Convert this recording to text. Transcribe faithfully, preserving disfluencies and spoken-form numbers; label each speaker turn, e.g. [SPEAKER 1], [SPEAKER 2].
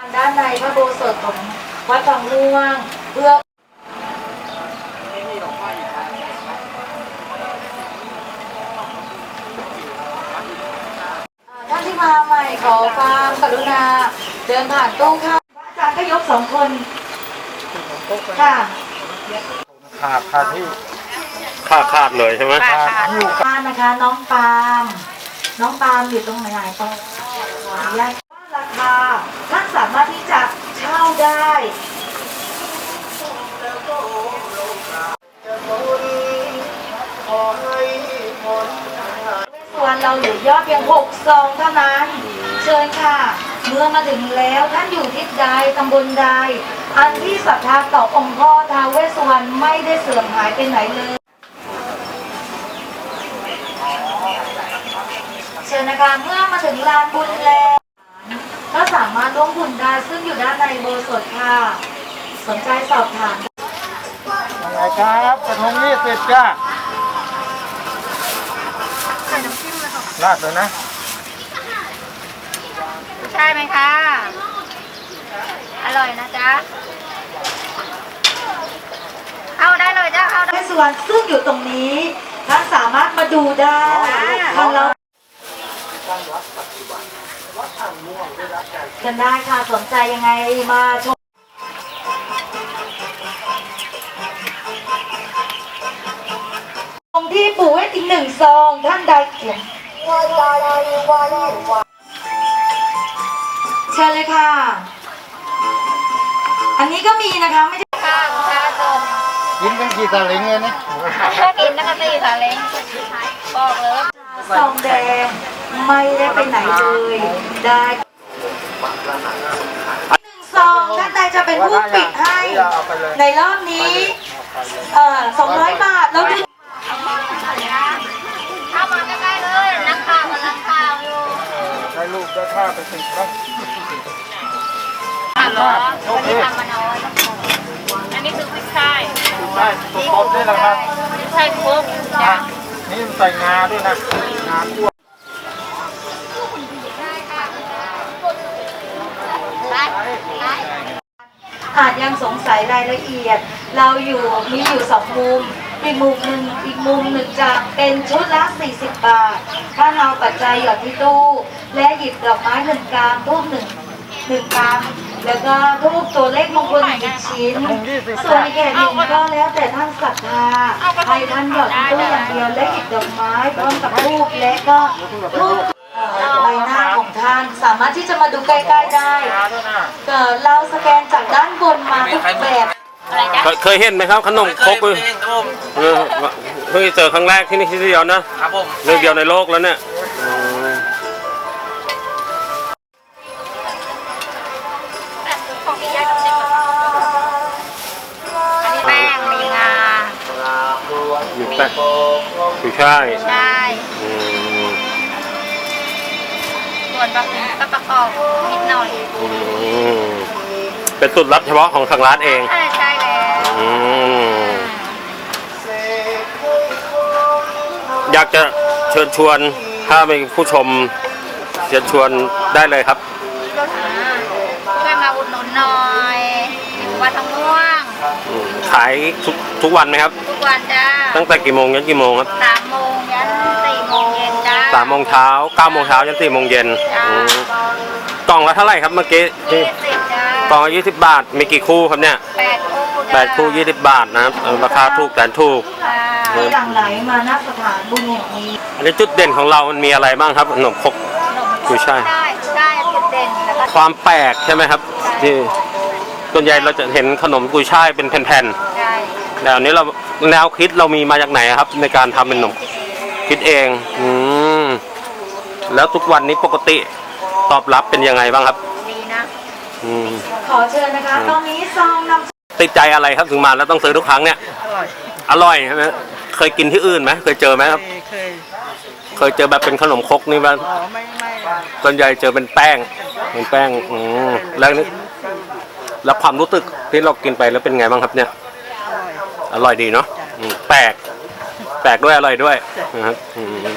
[SPEAKER 1] ด้านในพระโบสถของวัดบางม่วงเพื่อท่านที่มาใหม่ขอความกรุณาเดินผ่านตู้ค่ะอาจารย์ก็ยกสองคนค่ะ
[SPEAKER 2] ขาดขาดที่ขาดขาดเลยใช่ไหมขาดอยู่
[SPEAKER 1] บ้านนะคะน้องปาล์มน้องปาล์มอยู่ตรงไหนตรงแรกราคาท่านสามารถที่จะเช่าได้ส่วนเราเหลือยอดเพียงหกซองเท่านั้นเชิญค่ะเมื่อมาถึงแล้วท่านอยู่ทิศใดตำบลใดอันที่ศรัทธาต่อองค์พ่อท้าวเวสสุวรรณไม่ได้เสื่อมหายไปไหนเลยเชิญนะคะเมื่อมาถึงลานบุญแล้วก็สามารถร่วมบุญได้ซึ่งอยู่ด้านในโบสถ์ค่ะสนใจสอบถาม
[SPEAKER 2] อะไรครับกระทงยี่สิบจ้า
[SPEAKER 3] ใส่น้ำจิ้มเลยค่ะ
[SPEAKER 2] ราดเลยนะ
[SPEAKER 3] ใช่ไหมคะอร่อยนะจ๊ะเอาได้เลยจ้ะเอาได้
[SPEAKER 1] ส่วนซึ่งอยู่ตรงนี้ท่านสามารถมาดูได้ทางเรากันได้ค่ะสนใจยังไงมาชมตรงที่ปู่ให้ถึงหนึ่งซองท่านใดเขียนเชิญเลยค่ะอันนี้ก็มีนะคะไม่ใช่
[SPEAKER 3] ค่ะค่ะชม
[SPEAKER 2] กินกันกี่ตาเล้งเลยนะ
[SPEAKER 3] ถ้ากินนะคะสี่ตาเล้งบอกเลย
[SPEAKER 1] ซองแดงไม่ได้ไปไหนเลยได้หนึ่งซองท่านใดจะเป็นผู้ปิดให้ในรอบนี้เอ่อสองร้อยบาทแล้วดู
[SPEAKER 3] เข้ามาใกล้ๆเลยนักข่าวกำลังข่าวอยู่
[SPEAKER 2] ได้ลูกได้ข้าไปสิครับ
[SPEAKER 3] อ่ะเหรอวันนี้ทำมาน้อยอันนี้คือพริกไทย
[SPEAKER 2] ใช่ตุ๊กๆด้วยนะครับ
[SPEAKER 3] พริกไทยคุกจ้ะ
[SPEAKER 2] นี่ใส่งาด้วยนะงาคั่ว
[SPEAKER 1] อาจยังสงสัยรายละเอียดเราอยู่มีอยู่สองมุมอีกมุมหนึ่งอีกมุมหนึ่งจะเป็นชุดละสี่สิบบาทถ้าเราปัจจัยหยอดที่ตู้และหยิบดอกไม้หนึ่งกรัมทูบหนึ่งหนึ่งกรัมแล้วก็ทูบตัวเลขมงคลหนึ่งชิ้นส่วนแก่หนึ่งก็แล้วแต่ท่านศรัทธาให้ท่านหยอดที่ตู้อย่างเดียวและหยิบดอกไม้พร้อมกับทูบและก็ทูบใบหน้าของท่านสามารถที่จะมาดูใกล้ๆได้เกิดเราสแกนจากด้านบนมาทุกแบบ
[SPEAKER 4] เคยเห็นไหมครับขนมครกเลยเพิ่งเจอครั้งแรกที่นี่ที่เดียวนะครับผมเรื่องเดียวในโลกแล้วเนี่ย
[SPEAKER 3] แป้งมีงา
[SPEAKER 4] มีแป้งคือใช่
[SPEAKER 3] ใช่ส่วนประกอบก็ประกอบนิดหน่อย
[SPEAKER 4] เป็นสูตรลับเฉพาะของทางร้านเอง
[SPEAKER 3] ใช่ใช่แล้ว
[SPEAKER 4] อยากจะเชิญชวนถ้ามีผู้ชมเชิญชวนได้เลยครับ
[SPEAKER 3] ช่วยมาอุดหนุนหน่อยวัดทองม่วง
[SPEAKER 4] ขายทุกทุกวันไหมครับ
[SPEAKER 3] ทุกวันจ้า
[SPEAKER 4] ตั้งแต่กี่โมงยันกี่โมงครับ
[SPEAKER 3] สามโมงยันสี่โมงเย็นจ้า
[SPEAKER 4] สามโมงเช้าเก้าโมงเช้ายันสี่โมงเย็นกล่องละเท่าไหร่ครับเมื่อกี้
[SPEAKER 3] ยี่สิบจ้าก
[SPEAKER 4] ล่องละยี่สิบบาทมีกี่คู่ครับเนี่ย
[SPEAKER 3] แปดคู่
[SPEAKER 4] แปดคู่ยี่สิบบาทนะครับราคาถูกแต่ถูก
[SPEAKER 1] หลังไหลมาณสถานบุญแห่งนี้
[SPEAKER 4] อันนี้จุดเด่นของเรามันมีอะไรบ้างครับขนมครกคือใช่
[SPEAKER 3] ใช่ใช่จุดเด่น
[SPEAKER 4] ความแปลกใช่ไหมครับที่ส่วนใหญ่เราจะเห็นขนมกุยช่ายเป็นแผ่นๆแต่อันนี้เราแนวคิดเรามีมาจากไหนครับในการทำเป็นขนมคิดเองอืมแล้วทุกวันนี้ปกติตอบรับเป็นยังไงบ้างครับ
[SPEAKER 3] ดีนะ
[SPEAKER 4] อืม
[SPEAKER 1] ขอเชิญนะคะตอนนี้ซองนำ
[SPEAKER 4] ติดใจอะไรครับถึงมาแล้วต้องซื้อทุกครั้งเนี่ย
[SPEAKER 2] อร่อย
[SPEAKER 4] อร่อยใช่ไหมเคยกินที่อื่นไหมเคยเจอไหมครับ
[SPEAKER 2] เคย
[SPEAKER 4] เคยเจอแบบเป็นขนมครกนี่บ้าง
[SPEAKER 2] อ๋อไม่ไม่
[SPEAKER 4] ส่วนใหญ่เจอเป็นแป้งเป็นแป้งอืมแล้วนี่แล้วความรู้สึกที่เรากินไปแล้วเป็นไงบ้างครับเนี่ยอร่อยดีเนาะแปลกแปลกด้วยอร่อยด้วยนะครับ